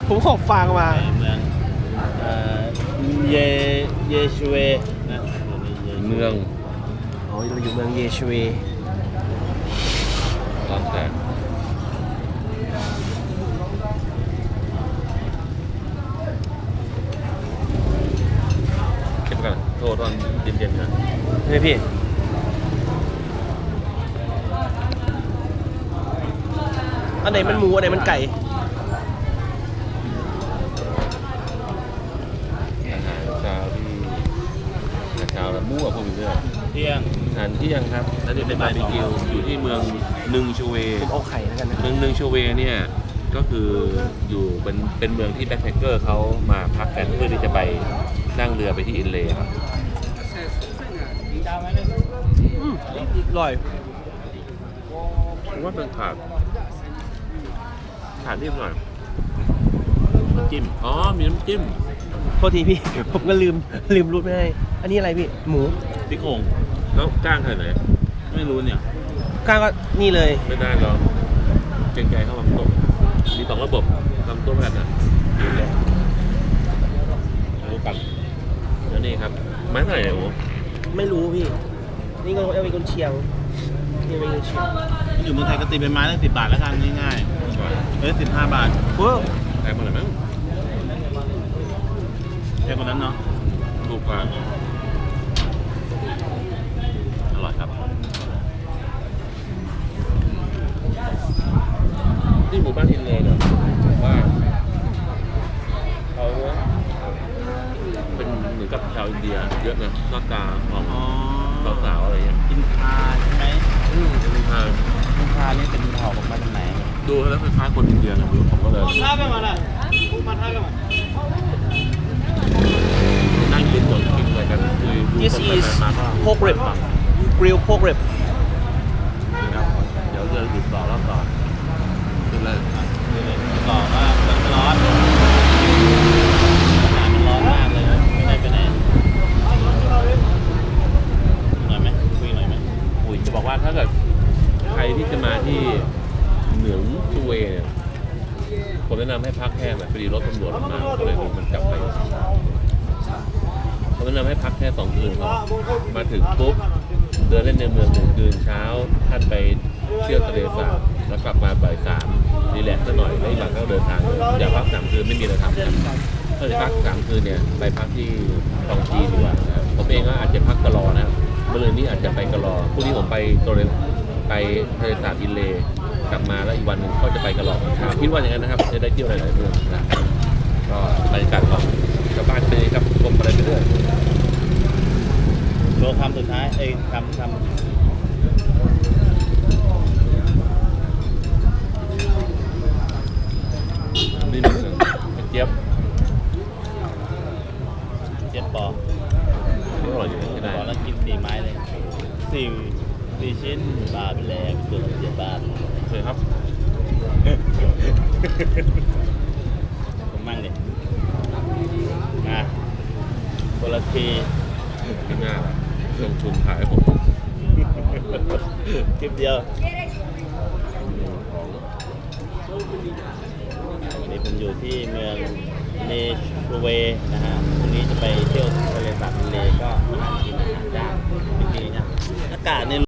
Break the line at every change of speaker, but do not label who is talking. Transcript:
ผมขอฟังมา
เมืองเยชูเวนะ
เมือง
อ๋อเราอยู่เมืองเยชูเว
ตอนแต่เก็บกันโทรตอนเย็นๆนะ
เฮ้ยพี่อันไหนมันหมูอันไหนมันไก่
อาหารเช้าที่อาหารเช้าแล้วมั่วพวกนี้เลย
เที่ยง
อาหารเที่ยงครับแล้วนี่เป็นบาร์บีคิวอยู่ที่เมืองนึงชูเว
ผมเอาไข่แล้วกันนะ
เมืองนึงชูเวเนี่ยก็คืออยู่เป็นเมืองที่แบ็คแพคเกอร์เขามาพักกันเพื่อที่จะไปนั่งเรือไปที่อินเลย์ครับ
อร่อย
ผมว่าเป็นขาดนิดหน่อย
น้ำจิ้ม
อ๋อมีน้ำจิ้ม
โทษทีพี่ ผมก็ลืมรูดไม่ให้อันนี้อะไรพี่หมู
ซี่โครง
แล้วก้างใครไหน
ไม่รู้เนี่ย
ก้างก็นี่เลย
ไม่ได้หรอกเกรงใจเข้าลำต้มมี2ระบบลำต้มกันนะรู้กันแล้วนี่ครับไม้เท่าไหร่เนี่ยโอ้
ไม่รู้พี่นี่ก็เอาไปกุนเชียงนี่เป็นกุนเชียง
อยู่เมืองไทยก็ตีเป็นไม้ตั้ง10 บาทแล้วกันง่ายๆ15 บาท
โอ้
แพงมาหน่อยมั้ง
แพงกว่านั้นเนาะ
ถูกกว่าอร่อยครับที่หมู่บ้านอินเลย์เนี่ยว่าเขาเป็นเหมือนกับชาวอินเดียเยอะนะหน้าตาของสาวๆอะไรอย่างเงี้ย
อินคาใช่ไหม
เป็นอินคา
นี่เป็นเผ่าของมาจากไหน
ดูแล้วคล้ายๆคนอินเดียนะผมก็เลยนั่งกินหมดกินอะไรกันคือดู
This is pork rib grilled pork rib
ครับเดี๋ยวจะติดต่อรอบต่อขึ้นเลย
ต่อว่ามันร้อนมันร้อนมากเลยไม่ได้ไปไหนหน่อยไหมคุยหน่อยไหม
คุยจะบอกว่าถ้าเกิดใครที่จะมาที่เหนืองชูเวเนี่ยผมแนะนำให้พักแค่แบบพอดีรถตำรวจมาก็เลยมันจับไปผมแนะนำให้พักแค่2 คืนครับมาถึงปุ๊บเดินเล่นในเมือง1 คืนเช้าท่านไปเที่ยวทะเลสาบแล้วกลับมาบ่าย 3รีแลกซ์ซะหน่อยแล้วอีกหลังก็เดินทางอย่าพัก3 คืนไม่มีอะไรทำครับถ้าจะพัก3 คืนเนี่ยไปพักที่ตองจีดีกว่าผมเองก็อาจจะพักกะลอนะครับเมื่อคืนนี้อาจจะไปกะลอพรุ่งนี้ผมไปโตเรนไปทะเลสาบอินเลย์กลับมาแล้วอีกวันหนึ่งก็จะไปกะลอคิดว่าอย่างนั้นนะครับจะได้เที่ยวหลายๆเมืองนะก็บรรยากาศของชาวบ้านเป็นครับชมอะไรไปเรื่อย
โชว์คำสุดท้ายคำ
นี่นึงเจี๊ยบ
ปอ
อร่อยอยู่ที่ไหน
ปอแล้วกิน4 ไม้เลย4 ชิ้นบาทไปแล้วตัวละ7 บาท
เคยครับ
ผมมั่งดิคนละที
ที่หน้าลงทุนขายผม
คลิปเดียววันนี้ผมอยู่ที่เมืองเนชูเวนะฮะพรุ่งนี้จะไปเที่ยวทะเลสาบทะเลก็มาหากินอาหารย่างจริงๆนะอากาศใน